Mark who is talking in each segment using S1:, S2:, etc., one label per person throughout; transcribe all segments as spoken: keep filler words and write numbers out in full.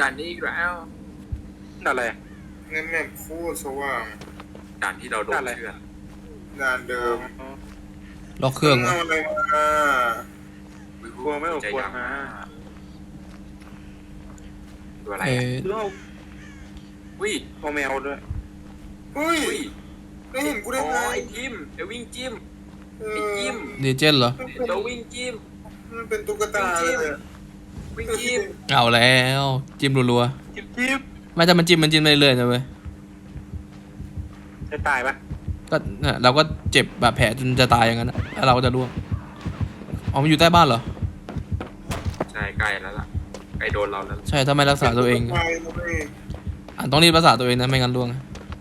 S1: ด่านนี้อีกแล้ว
S2: อะไร
S3: งั้นแม่งโคตรสว่าง
S1: ด่านที่เราโดนเชือด
S3: งานเดิม
S4: ล็อกเครื่อง
S3: เอา
S4: วะ
S3: อะไรมา
S2: กลัวไม่ออกกลัวมา
S1: ตัวอะไร
S4: เอ
S1: อ่ะ
S4: อ
S2: เรื่อง
S1: วิ่ง
S2: เอาแมวด้วย
S3: เฮ้ย
S1: วิ่ง
S3: ไม่เห็นกูได้
S1: อ๋อ
S3: ไง
S1: ไอ้จิ้มเดี๋ยววิ่งจิ้ม
S3: เอ
S1: ไอ้
S3: อ
S1: จิ้ม
S4: เดเจนเหรอ
S3: มันเป็น
S1: เดี๋ยววิ่งจิ้ม
S3: มันเป็นตุ๊กตาเลยอะ
S1: วิ่งจิ้ม
S4: เอาแล้วจิ้มรัว
S2: จิ๊บจิ๊บ
S4: ๆไม่แต่มันจิ้มมันจิ้มเรื่อยๆนะเว้ย
S2: จะตายปะ
S4: ก็น่ะเราก็เจ็บบาดแผลจนจะตายอย่างนั้นนะแล้วเราก็จะร่วงอ๋อมันอยู่ใต้บ้านเหรอ
S1: ใช่ใกล้แล้วล่ะใกล้โดนเราแล้ว
S4: ใช่ถ้าไม่รักษาตัวเอง
S3: ไปแล้วเว้ย
S4: อ่ะต้องรีบรักษาตัวเองนะไม่งั้นร่วง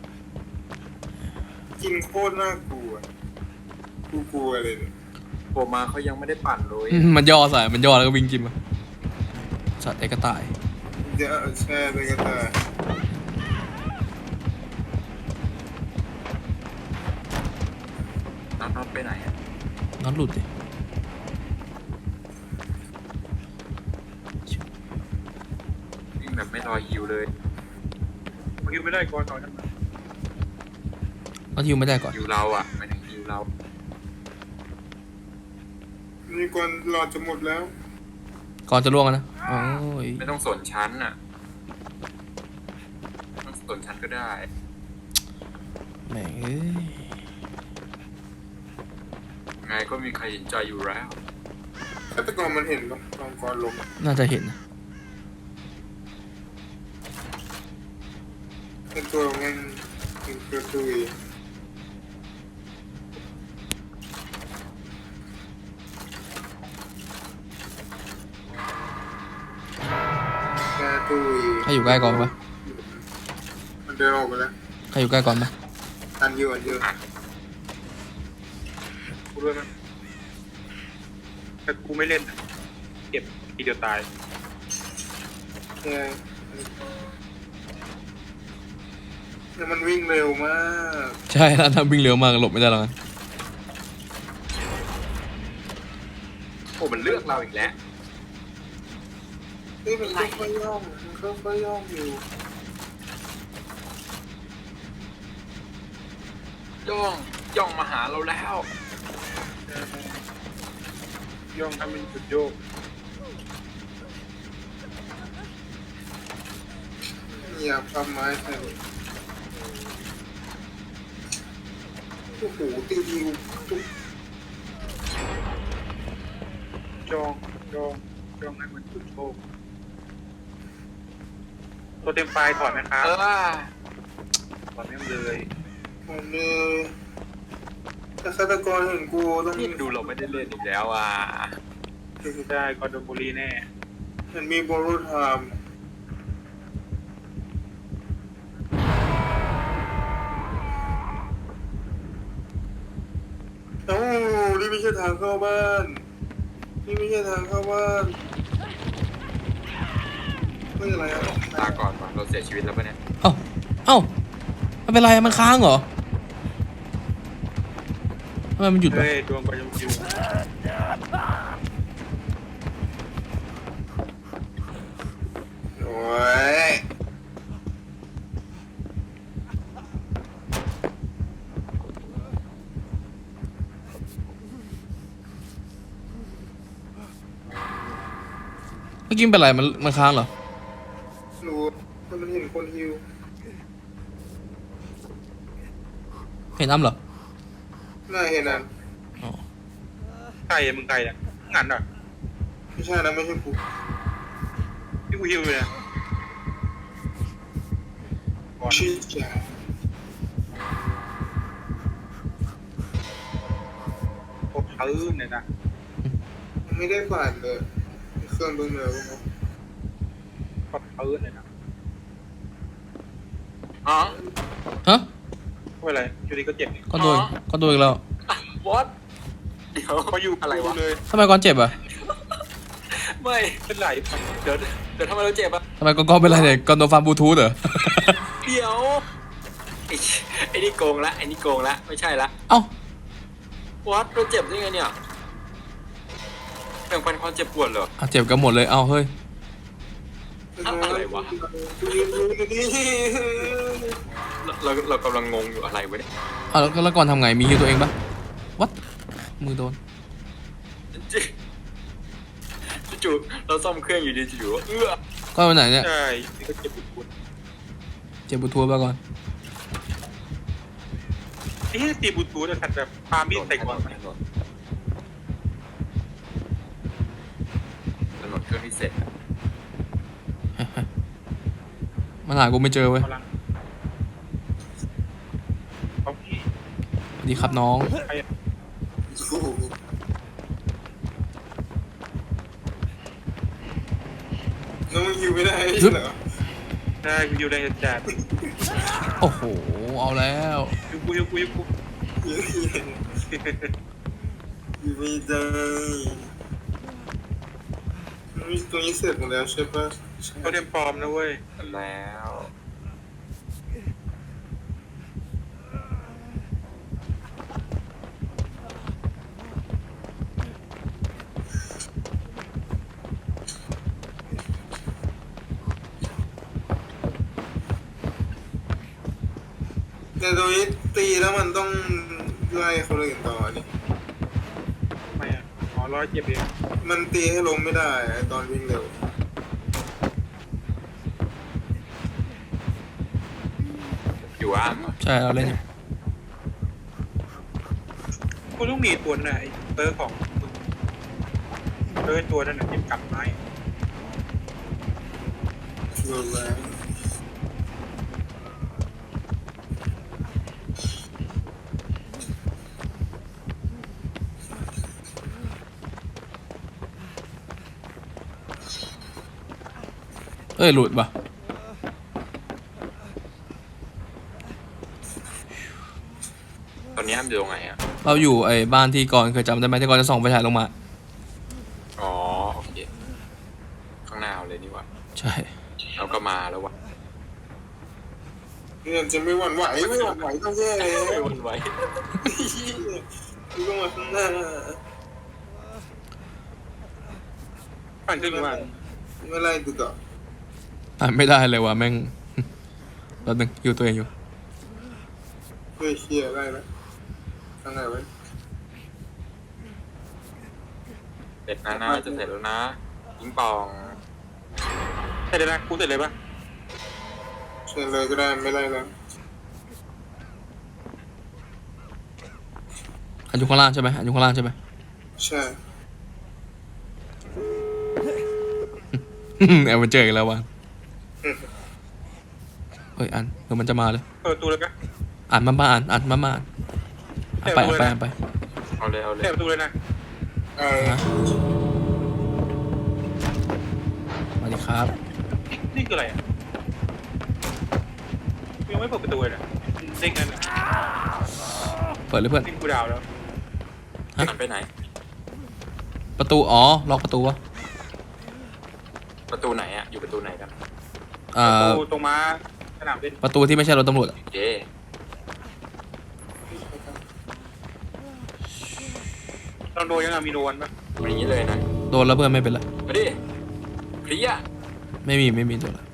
S3: กินโคตรน่ากลัวกูกลัวเลยเนี่ย
S1: ผมมาเขายังไม่ได้ปั่นเลย
S4: อืมมันย่อใส่มันย่อแล้วก็วิ่งจิ้มอะสัตว์ไอ้กระต่าย
S3: เดี๋ยวแช่ไปกันได้
S1: น้องๆไปไหนอ่ะ
S4: น็อตหลุดดิ
S1: วิ่งแบบไม่รอฮิวเลย
S2: เมื่อกี้ไม่ได้ก่อนก่อนนั้นมา
S4: น็อตฮิวไม่ได้ก่อน
S1: ฮิวเราอ่ะไม่ถึงฮิวเรา
S3: นี่ก่อนหลอดจะหมดแล้ว
S4: ก่อนจะร่วงอะนะโอ้ย
S1: ไม่ต้องสนชั้นอ่ะไม่ต้องสนชั้นก็ได้
S4: แหม่งเอ้ย
S1: ไงก็มีใครเห็นใจอยู่แล้ว
S3: ฆาตกรมันเห็นปะตอนก่อนลง
S4: น่าจะเห็นนะ
S3: เป็นตัวแม่งเป็นกระตุยกระตุย
S4: ใครอยู่ใกล้ก่อนปะ
S3: มันเดินออกไปแล้ว
S4: ใครอยู่ใกล้ก่อนปะ
S3: อันเดียวอันเดียว
S2: กูด้วยมั้ยแต่กูไม่เล่นอะเก็บทีเดียวตาย
S3: ใช่เนี่ยมันวิ่งเร็วมาก
S4: ใช่แล้วถ้าวิ่งเร็วมากหลบไม่ได้หรอกนะ
S1: โอ้มันเลือกเราอีกแล้ว
S3: เฮ้ยมันค่อยๆย่องมันค่อยๆย่องอยู่
S1: ย่องย่องมาหาเราแล้ว
S2: ย่องทำเป็นจุดโยก
S3: เหยียบทำไม้ใส่โอ้โหตีทีกูตุ๊บ
S2: จ้องจ้องจ้องให้มันจุดโชคตัวเต็มไฟล์ถอดไหมครับ
S1: เออ
S2: ถอดไม่เลย
S3: มันเลยถ้าฆาตกรเห็นกูต้อง
S1: นี่ดูเราไม่ได้เล่นอีกแล้วอ่ะ
S2: ได้กอร์ดอนบุรีแน่
S3: มันมีโบรูไทม์เอ้านี่ไม่ใช่ทางเข้าบ้าน นี่ไม่ใช่ทางเข้าบ้านไม่อะไรอ่ะ
S1: ลาก่อนว่ะเราเสียชีวิตแล้วปะเนี่ย
S4: เอ้าเอ้ามันเป็นไรมันค้างเหรอทำไมมันหยุดวะ
S2: เฮ้ยดวงกอร์ดอนบุรี
S3: โอ้ย
S4: เมื่อกี้มันเป็นไรมันมันค้างเหรอ
S3: รู้ถ้ามันเห็นคนฮิว
S4: เห็นอ้ำเหรอ
S3: น่าเห็นอ่ะ
S4: อ๋อ
S2: ไก่อะมึงไก่อะงันอ่ะ
S3: ไม่ใช่นะไม่ใช่กู
S2: ที่กูฮิวอยู่เนี่ยก่อน
S3: ชิจ่า
S2: พวกพื้นเนี่ยนะ
S3: ไม่ได้ผ่านเลยเครื่องเบื้องเหนือกูนะ
S2: พวกพื้นเนี่ยนะ
S1: อ๋อ
S4: ฮะ
S2: ไม่เป็นไรอยู่ดีก็เจ็บนี่
S4: ก็โดน
S1: อ๋อ
S4: ก็โดนอีกแล้ว
S1: วอตเดี๋ยว
S2: เขาอยู่
S1: อะไรวะ
S2: เลย
S4: ทำไมก่อนเจ็บอ่ะ
S1: ไม่
S2: เป็นไหล
S1: เดี๋ยวเดี๋ยวทำไมเราเจ็บอ่ะ
S4: ทำไมก่อนก่อนเป็นไรเนี่ยก่อนโดนฟันบลูทูธเหรอ
S1: เดี๋ยวไอ้ไอ้นี่โกงละไอ้นี่โกงละไม่ใช่ละ
S4: เอ้า
S1: วอตเราเจ็บได้ไงเนี่ยแบ่งปันความเจ็บปวดเหรอ
S4: อ่ะเจ็บกันหมดเลย เอ้าเฮ้ย
S3: เ
S1: อะไรวะ
S3: กูยืนดูอยู่นี่
S1: เราเราเรากำลังงงอยู่อะไรวะเนี่ย
S4: อ่ะแล้วแล้วก่อนทำไงมีฮิวตัวเองปะวัดมือโดน
S1: จู่ๆเราซ่อมเครื่องอยู่ดีจู่ๆเอื้อ
S4: ก็ไปไหนเนี่ย
S2: ใช่นี่ก็เจ็บปวด
S4: เจ็บบุทัวร์ไปก่อน
S2: ไอ้ที่ตีบูทูธแต่ขัดแบบปามีดใส่ก่อน
S1: ถนนถนนเครื่องที่เสร็จอะ
S4: มันหากูไม่เจอเว้ย
S2: กำลังเขาพี่
S4: สวัสดีครับน้อง
S2: ใครอะ
S3: โอ้โหน้องมึงยิวไม่ได้เหรอ
S2: ได้กูอยู่ในจัด
S4: โอ้โหเอาแล้ว
S2: ยูกูยูกูยูกู
S3: ยิวยิวไม่ได้นี่ตรงนี้เสร็จหมดแล้วใช่ปะ
S2: เขาเรียนปลอมนะเว้ย
S1: แล้ว
S3: แต่ตรงนี้ตีแล้วมันต้องไล่คนอื่นต่อนี่
S2: ทำไมอ่ะอ๋อร้อยเจ็บเอง
S3: มันตีให้ล้มไม่ได้ตอนวิ่งเร็ว
S1: อยู่อ่างเหรอ
S4: ใช่เราเล่นอยู่
S2: กูต้องมีตัวน่ะไอ้เตอร์ของมึงเตอร์ตัวนั้นน่ะเจ็บกลับไม้
S3: โดนแล้ว
S4: เอ้ยหลุดปะ
S1: ตอนนี้อ้ํอยู่ตรงไหนอ่ะ
S4: เราอยู่ไอ้บ้านที่ก่อนเคยจำได้ไหมที่ก่อนจะส่องไฟฉายลงมา
S1: อ๋อโอเคข้างหน้าเอาเลยนี่หว่า
S4: ใช่
S1: เราก็มาแล้ววะ
S3: เนี่ยจะไม่หวั่นไหวไม่หวั่นไหวต้องแย่เลย
S1: ไม่วนไว้
S3: กูต้องมาข้างหน้า
S2: ปั่นขึ้นมา
S3: ไม่ไล่กูต่อ
S4: อ่านไม่ได้เลยว่ะแม่ง แป๊บนึงอยู่ตัวเองอยู่
S3: เฮ้ยเชี่ยไล่แล้วข้างไหนไว้
S1: เสร็จนะนะจะเสร็จแล้วนะยิงปอง
S2: เสร็จเลยนะกูเสร็จเลยปะ
S3: เชิญเลยก็ได้ไม่ไล่แล้ว
S4: อันอยู่ข้างล่างใช่ไหมอันอยู่ข้างล่างใช่ไหม
S3: ใช่
S4: แอบมาเจออีกันแล้ววะเฮ้ยอันเดี๋ยวมันจะมาเลย
S2: เปิดประตูเลยปะ
S4: อ่านมาบ้านอ่านมาบ้านอ่านไปอ่านไปอ่านไป
S1: เอาเลยเอาเลย
S2: เปิดประตูเลยนะ
S3: เออ
S4: ฮะสวัสดีครับ
S2: นี่คืออะไรอ่ะกูยังไม่เปิดประตูเลยนะเด้งกันนะ
S4: เปิดเลยเพื่อน
S2: เด้งกูดาวแล้ว
S1: หันไปไหน
S4: ประตูอ๋อล็อกประตูวะ
S1: ประตูไหนอ่ะอยู่ประตูไหนกัน
S4: อ่า
S2: ประตูตรงม้าสนามเล่น
S4: ประตูที่ไม่ใช่รถตำรวจอะ
S1: โอเค
S2: ลองโดนยังไงมีโดนปะ
S1: อยู่อย่างนี้เลยนะ
S4: โดนแล้วเพื่อนไม่เป็นไร
S1: มาดิเพลีย
S4: ไม่มีไม่มีโดนละ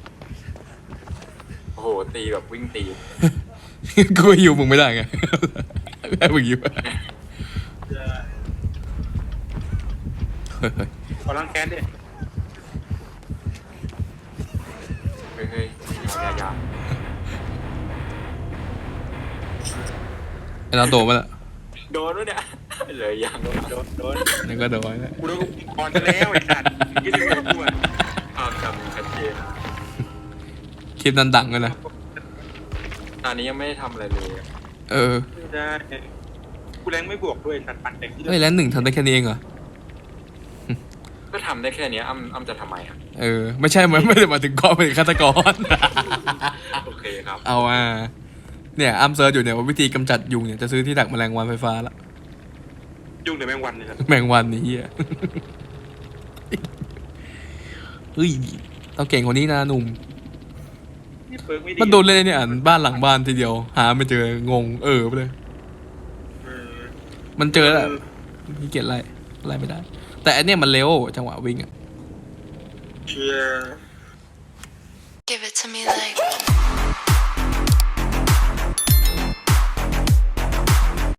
S1: โอ้โหตีแบบวิ่งตี
S4: กูอยู่มึงไม่ได้ไง แม่มึงอยู่เฮ้ยเฮ้ย
S2: ขอล้างแค้นดิ
S1: เฮ้ยเฮ้ยยายา
S4: ไอ้เราโดนมาละ
S1: โดนด้วยเนี่ยเลยยังโดน
S2: โดนโดน
S4: นี่ก็โดนแล้ว
S2: กูโดนกูก่อนจะแล้วไอ้สัตว์ยี่สิบกว่า
S1: ภาพจำชัดเจน
S4: คลิปนั้นดังเลยนะ
S1: ตอนนี้ยังไม่ได้ทำอะไรเลย
S4: เออ
S2: ไม่ได้กูแรงไม่บวกด้วยสัตว์ปั่นเต็มที่
S4: เฮ้ยแล้วหนึ่งทำได้แค่นี้เองเหรอ
S1: ก็ทำได้แค่เนี้ยอ้ำอ้ำจะทำไมอ่ะ
S4: เออ ไม่ใช่มันไม่ได้มาถึงกองเป็นฆาตกร
S1: โอเคครับ
S4: เอาอ่ะเนี่ยอัมเซิร์ชอยู่เนี่ยว่าวิธีกำจัดยุงเนี่ยจะซื้อที่ดักแมลงวันไฟฟ้าละ
S2: ยุ่งเดี๋ยวแมงวันเลยครับ
S4: แมงวันนี่เฮีย เฮ้ยเราเก่งกว่านี้นะหนุ่ม
S2: นี่เปิร์กไม่ดี
S4: มันโดนเล่นเนี่ยอ่านบ้านหลังบ้านทีเดียว หาไม่เจองงเออไปเลย
S2: เออ
S4: มันเจอแล้วพี่เกียรไล่ไล่ไม่ได้ แต่อันเนี้ยมันเร็วจังหวะวิ่งอ่ะ
S3: เชียร์
S5: Give it to me like